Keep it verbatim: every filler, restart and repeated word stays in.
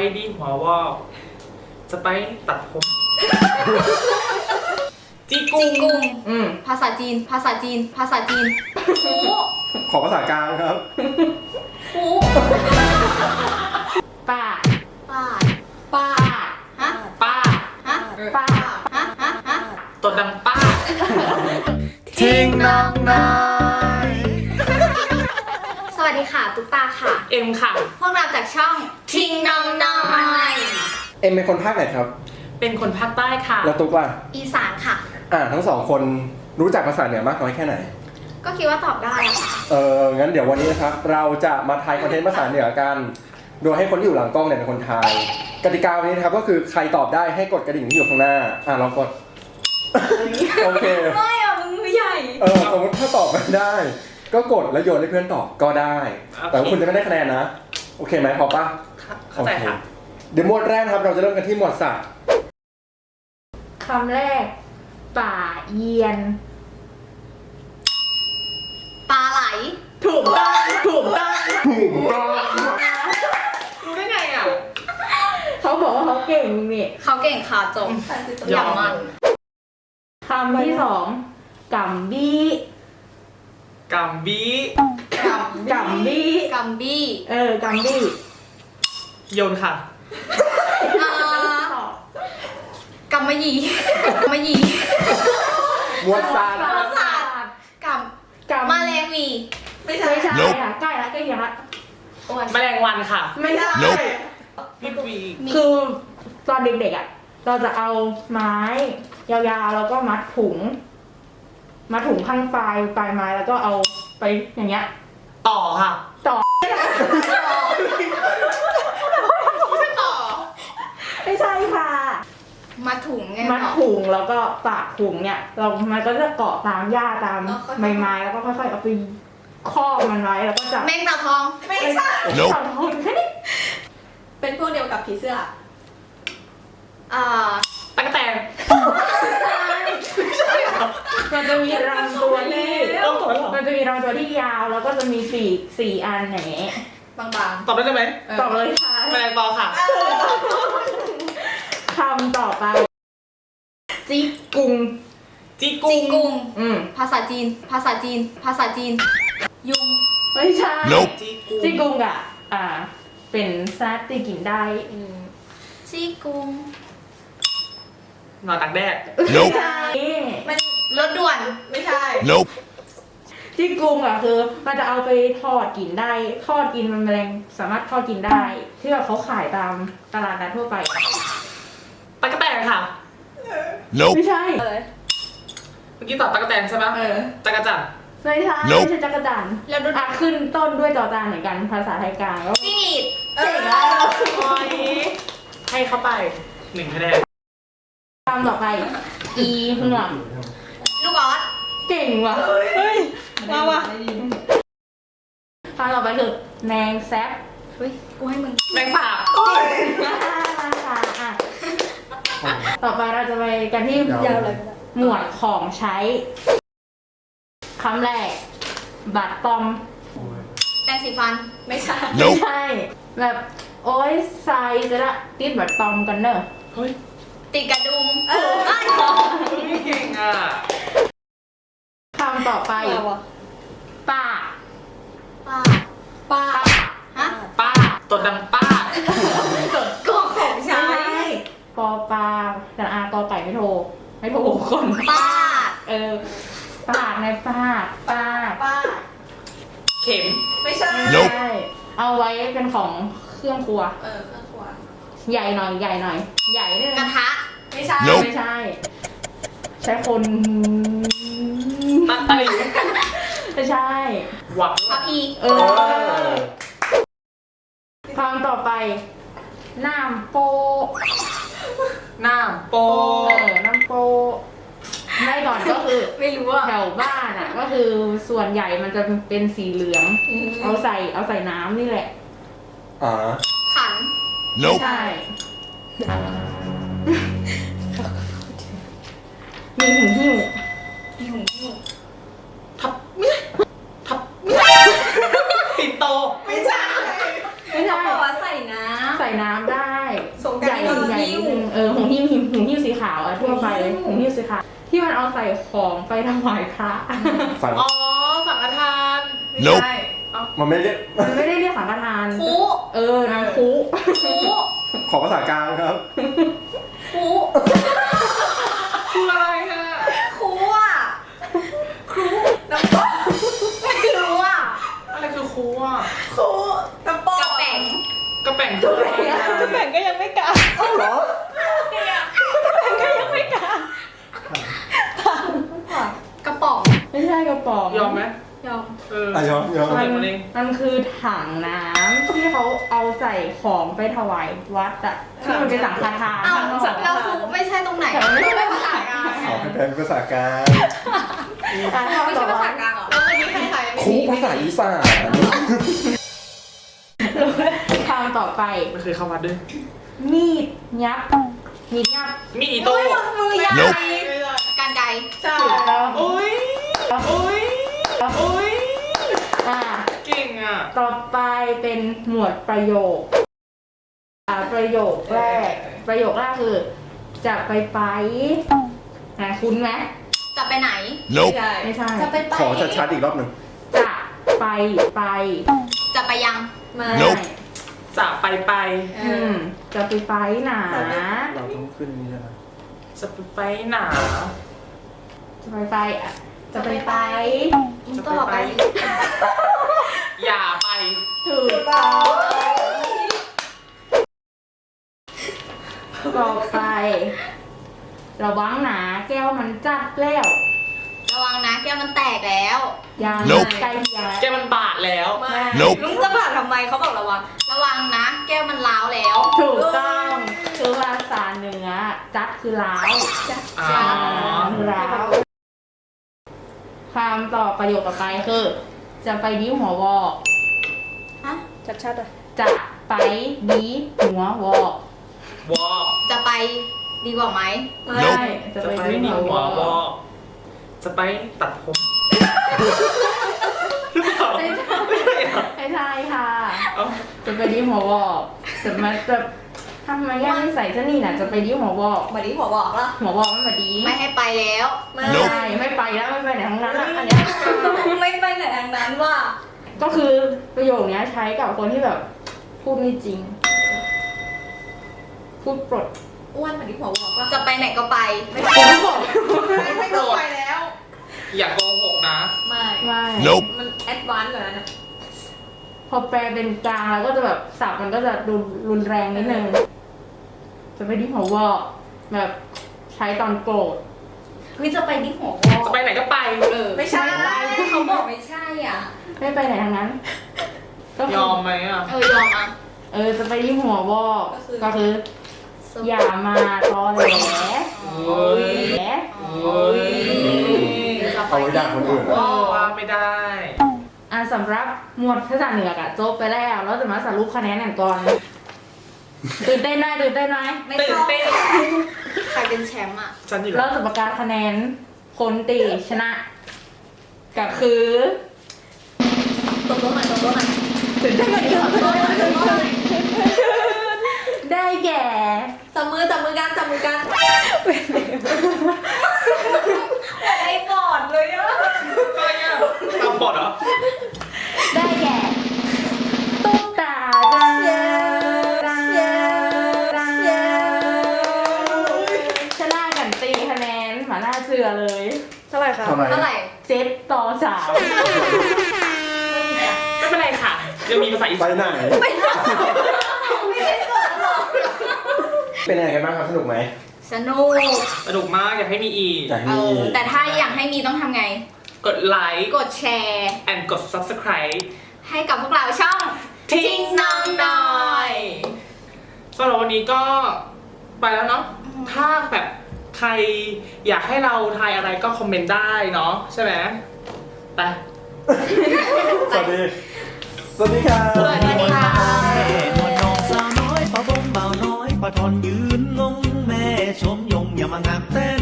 ดีหัววอกสไปตัดผมจีกุจีงกุงอืมภาษาจีน ภาษาจีน ภาษาจีนฟูขอภาษากลางครับฟูป้าป้าป้าฮะป้าฮะป้าฮะ ฮะ ฮะตัวดังป้าทิ้งน้องนายสวัสดีค่ะ ตุ๊กตาค่ะเอ็มค่ะพวกเราจากช่องทิ้งน้องน้อยเอ็มเป็นคนภาคไหนครับเป็นคนภาคใต้ค่ะแล้วตุ๊กล่ะอีสานค่ะอ่าทั้งสองคนรู้จักภาษาเหนือมากน้อยแค่ไหนก็คิดว่าตอบได้อะค่ะเอองั้นเดี๋ยววันนี้นะครับ เราจะมาทายคอนเทนต์ภาษาเหนือกัน โดยให้คนที่อยู่หลังกล้องเนี่ยเป็นคนทาย กติกาวันนี้นะครับก็คือใครตอบได้ให้กดกระดิ่งที่อยู่ข้างหน้า อ่าลองกด โอเคไม่อะมึงมือใหญ่เออสมมติถ้าตอบไม่ได้ ก็กดแล้วโยนให้เพื่อนตอบก็ได้ แต่ว่าคุณจะไม่ได้คะแนนนะ โอเคไหมพอปะเข้าใจค่ะเดี๋ยวหมวดแรกนะครับเราจะเริ่มกันที่หมวดสัตว์คำแรก ป่าเยียนปลาไหลถูกต้องถูกต้องถูกต้องรู้ได้ไงอ่ะเขาบอกว่าเขาเก่งนี่เขาเก่งค่ะจบอย่างมันคำที่สองกัมบี้กัมบีกัมกัมบี้กัมบี้เออ กัมบี้โยนค่ะอ่ากัมมะหยี่กัมมะหยี่หมวดสัตว์ประสาทกัมกัมมาแรงวีไม่ใช่ไม่ใช่ค่ะใกล้ละใกล้ยังละอ้วนแมลงวันค่ะไม่ใช่พี่วีคือตอนเด็กๆอ่ะ เราจะเอาไม้ยาวๆแล้วก็มัดถุง มัดถุงข้างปลายปลายไม้แล้วก็เอาไปอย่างเงี้ยต่อค่ะต่อต่อไม่ใช่ค่ะมาถุงไงมัดถุงแล้วก็ปากถุงเนี่ยเรามันก็จะเกาะตามหญ้าตามอ๋อค่อยๆใบไม้แล้วก็ค่อยๆเอาไปครอบมันไว้แล้วก็จับแมงตาทองไม่ใช่จับถุงแค่นี้เป็นพวกเดียวกับผีเสื้ออ่าตั๊กแตนมันจะมีลำตัวที่ต้องตอบได้เหรอมันจะมีลำตัวที่ยาวแล้วก็จะมีปีกสี่อันอย่างเงี้ยบางตอบได้ไหมๆตอบเลยค่ะแมลงปอค่ะคำต่อไปจิกกุงจีกุจีงกุงอืมภาษาจีน ภาษาจีน ภาษาจีน ยุงไม่ใช่จีกุงจิกกุงอ่ะอ่า เป็นซัดที่กินได้จีกุงนอนตากแดดไม่ใช่มันรถด่วนไม่ใช่ Nope. จิกกุงอ่ะคือมันจะเอาไปทอดกินได้ ทอดกินมันแมลงสามารถทอดกินได้ ที่แบบเขาขายตามตลาดนัดทั่วไปตั๊กแตนค่ะ Nope. ไม่ใช่เออเมื่อกี้ตอบตั๊กแตนใช่ไหมเออจักรจันทร์ไม่ใช่ Nope ไม่ใช่จักรจันทร์แล้วรถอ่ะขึ้นต้นด้วยจอจานเหมือนกันภาษาไทยกลางแล้วจิ้งหรีดเออโอ้ยให้เข้าไปหนึ่งคะแนนคำต่อไป อีห่วงลูกออสเก่งว่ะเฮ้ยมาว่ะคำต่อไปคือแมงแซบเฮ้ย กูให้มึงแมงสาบอ่ะต่อไปเราจะไปกันที่ยาวเลยหมวดของใช้คำแรก บัตรตอมแปรงสีฟันไม่ใช่ไม่ Nope. ใช่ แบบโอ้ยใส่จะละติดบัตรตอมกันเนอะเฮ้ยติดกระดุมเออเอ้ยไม่เก่งอ่ะคำต่อไปมาว่ะป้าป้าป้าฮะป้าตัวดังป้าก็ของใช้ปอปลาแต่อากอไก่ไม่โทรไม่โทรคนป้าเออปาดในปาดปาดป้าเข็มไม่ใช่ Nope ใช่เอาไว้เป็นของเครื่องครัวเออเครื่องครัวใหญ่หน่อยใหญ่หน่อย ใหญ่ด้วยกระนะทะไม่ใช่ Nope ไม่ใช่ ใช้คนตั๊กตะหลิวไม่ใช่หวังพระพีเออคำต่อไปน้ำโปหน้าโปเออน้ำโปไม่ก่อนก็คือไม่รู้อ่ะแถวบ้านอ่ะ ก็คือส่วนใหญ่มันจะเป็นสีเหลือง เอาใส่เอาใส่น้ำนี่แหละอ่าขัน Nope. ใช่ มีหูหิ้วมีหูหิ้วทับไม่ทับไม่ปิ่นโตไม่ใช่ไม่ใช่เขาบอกว่าใส่น้ใส่น้ำได้ได้สงกใหราญ่นต์ใหญ่นิดนึงเออหงหิ้วหิ้วหงหิ้วสีขาวอะทั่วไปเลยหงหิ้วสีขาวที่มันเอาใส่ของไปถวายพระฟังอ๋อสังฆทาน Nope ใช่มันไม่ได้มันไม่ได้เรียกสังฆทานคุเออน้ำคุคุขอภาษากลางครับคุคืออะไรอะคุอ่ะครูน้ำปอกไม่รู้อ่ะอะไรคือครูอ่ะครูน้ำปอกกระแป๋งกระแป่งคืออะไรอะจะแบ่งก็ยังไม่กล้าเหรอก็ยังไม่กล้ากระป๋องไม่ใช่กระป๋องยอมไหมยอมเอออ่ะยอมยอมมันมันเองมันคือถังน้ำที่เขาเอาใส่ของไปถวายวัดอะที่มันเป็นสังฆทานอ้าวข้างนอกเราคุไม่ใช่ตรงไหนแต่มันไม่ใช่ไม่ภาภาษาษากลาลาง งขอให้เป็นภาษากลางไม่ใช่ภาษากลางเหรอแล้ววันนี้ใครใครไม่คุมีภาษาอีสานคำต่อไปไม่เคยเข้าวัดด้วยมีดยับมีดยับมีอีโต้มือยาว Nope การไกลใช่ถูกต้องโอ้ยโอ้ยโอ้ยอ่าเก่งอ่ะต่อไปเป็นหมวดประโยคอ่าประโยคแรก ประโยคแรกคือ จะไปไปอ่าคุ้นไหมจะไปไหน Nope. ใช่ไม่ใช่จะไปไปขอชัดๆอีกรอบหนึ่งจะไปไปจะไปยังมา Nope จะไปไปเออือมจะไปไปหนาเราต้องขึ้นนี่นะจะไปไปหนาจะไปไปอ่ะจะไปไปอินต่อไปอย่าไปถูกต้องต่อไป ระวังหนาแก้วมันจัดแล้วระวังนะแก้วมันแตกแล้วยัง Nope ใกล้เคียงแกมันบาดแล้วมา Nope ลุงจะผ่านทำไมเขาบอกระวัง ระวังนะ แก้วมันร้าวแล้วถูกต้องคือภาษาเหนือจัดคือล้าวอ๋อล้าวคำต่อประโยคต่อไปคือ จะไปดีหัววอกฮะชัดๆอ่ะจะไปดีหัววอกวอจะไปดีกว่าไหมไม่ Nope จะจะไปไปดีนี่หัวหัววอวอก จะไปตัดผมหรือเปล่าไม่ใช่ไม่ใช่เหรอไม่ใช่ค่ะเอ้าจะไปดีหัววอกจะมาจะทำไมย่าไม่ใส่เสนี่น่ะจะไปดีหัววอกมาดิหัวบอกแล้วหัววอกมันมาดีไม่ให้ไปแล้วไม่ Nope ใช่ไม่ไปแล้วไม่ไปไหนทั้งนั้นอ่ะอันเนี้ยไม่ไปไหนทางนั้นว่าก็คือประโยคเนี้ยใช้กับคนที่แบบ พูดไม่จริง พูดปลดอ้วนมาดิหัวบอกแล้วจะไปไหนก็ไปไม่ผมก็บอกไม่ไม่ต้องไปแล้วอย่าโกหกนะไม่ไม่ Nope มันแอดวานซ์กว่านั้นอ่ะพอแปลเป็นกลางแล้วก็จะแบบสับมันก็จะดูรุนแรงนิดนึง จะไปที่หัววอกแบบใช้ตอนโกรธเฮ้ยจะไปที่หัววอจะไปไหนก็ไปเออไม่ใช่เขาบอกไม่ใช่อ่ะไม่ไปไหนทางนั้น ก็คืยอมไหมอ่ะเออยอมอ่ะเออจะไปที่หัววอก ก็คือ อย่ามาตอแหลโอ้ยแหลโอ้ยเอาไว้ด่าคนอื่นเออะอว่าไม่ได้อ่ะสำหรับหมวดภาษาเหนืออะจบไปแล้วเราจะมาสรุปคะแนนกันก่อน ตื่นเต้นไหมตื่นเต้นไหมไม่ตื่ต้นองเต้นใครเป็นแชมป์อ่ะฉันอยู่เราแล้วจะประกาศคะแนนคนตีชนะก็คือตบตัวหน่อยตบตัวหน่อยตื่นเต้นกันก่อนตบตัวหน่อยตบตัวหน่อยได้แก่จับมือจับมือกันจับมือกันไอ้บอดเลยอ่ะอะไรอ่ะทำบทเหรอได้แก่ตุ๊กตาจ้าชนะกันตีคะแนนหมาหน้าเสือเลยเท่าไหร่คะทำไมเท่าไหร่เจ็ดต่อสามไม่เป็นไรค่ะยังมีภาษาอีไปสานไหนไม่ได้ไม่ได้สอนหรอกเป็นยังไงกันบ้างครับสนุกไหมสนุกสนุกมากอยากให้มีอีกอยากให้เอมีอแต่ถ้าอยากให้มีต้องทำไงกดไลค์กดแชร์ and กด subscribe ให้กับพวกเราช่องทิ้งน้องหน่อยสำหรับวันนี้ก็ไปแล้วเนาะ ถ้าแบบใครอยากให้เราทายอะไรก็คอมเมนต์ได้เนาะใช่ไหมไปสวัสดี สวัสดีครับสวัสดีค่ะนวลน้องสาวน้อยปะบงเบาน้อยปะทอนยืนงงแม่ชมยงอย่ามางามแต่